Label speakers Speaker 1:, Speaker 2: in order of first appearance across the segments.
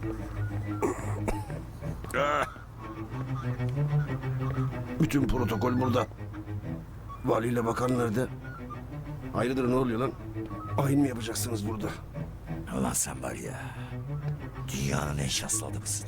Speaker 1: Bütün protokol burada. Valiyle bakan nerede? Hayırdır, ne oluyor lan? Ayin mi yapacaksınız burada?
Speaker 2: Ulan sen var ya, dünyanın en şanslı adamısın.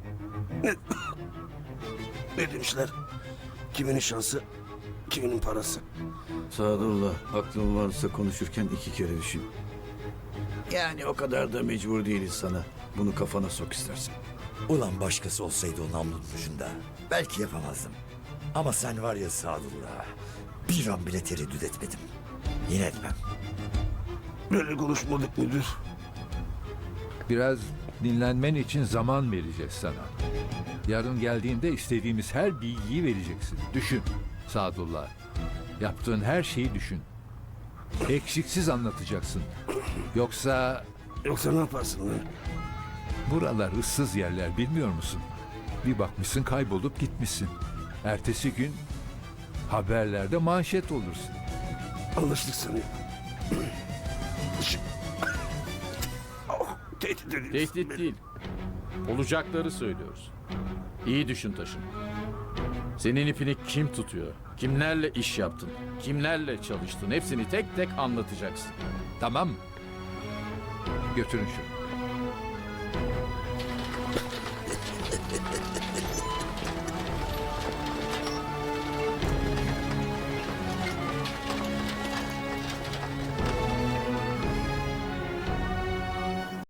Speaker 1: Ne demişler? Kiminin şansı, kiminin parası.
Speaker 3: Sadullah, aklın varsa konuşurken 2 kere düşün. Yani o kadar da mecbur değiliz sana. Bunu kafana sok istersen.
Speaker 2: Ulan başkası olsaydı o namlunun ucunda, belki yapamazdım. Ama sen var ya Sadullah, bir an bile tereddüt etmedim. Yine etmem.
Speaker 1: Böyle konuşmadık müdür.
Speaker 4: Biraz dinlenmen için zaman vereceğiz sana. Yarın geldiğinde istediğimiz her bilgiyi vereceksin. Düşün Sadullah. Yaptığın her şeyi düşün. Eksiksiz anlatacaksın. Yoksa
Speaker 1: Yoksa ne yaparsın lan?
Speaker 4: buralar ıssız yerler, bilmiyor musun? Bir bakmışsın kaybolup gitmişsin. Ertesi gün haberlerde manşet olursun.
Speaker 1: Anlaştık sanıyorum. Oh, tehdit ediyorsun
Speaker 5: Tehdit
Speaker 1: beni.
Speaker 5: değil. Olacakları söylüyoruz. İyi düşün Taşın. Senin ipini kim tutuyor? Kimlerle iş yaptın? Kimlerle çalıştın? Hepsini tek tek anlatacaksın.
Speaker 4: Tamam mı? Götürün şunu.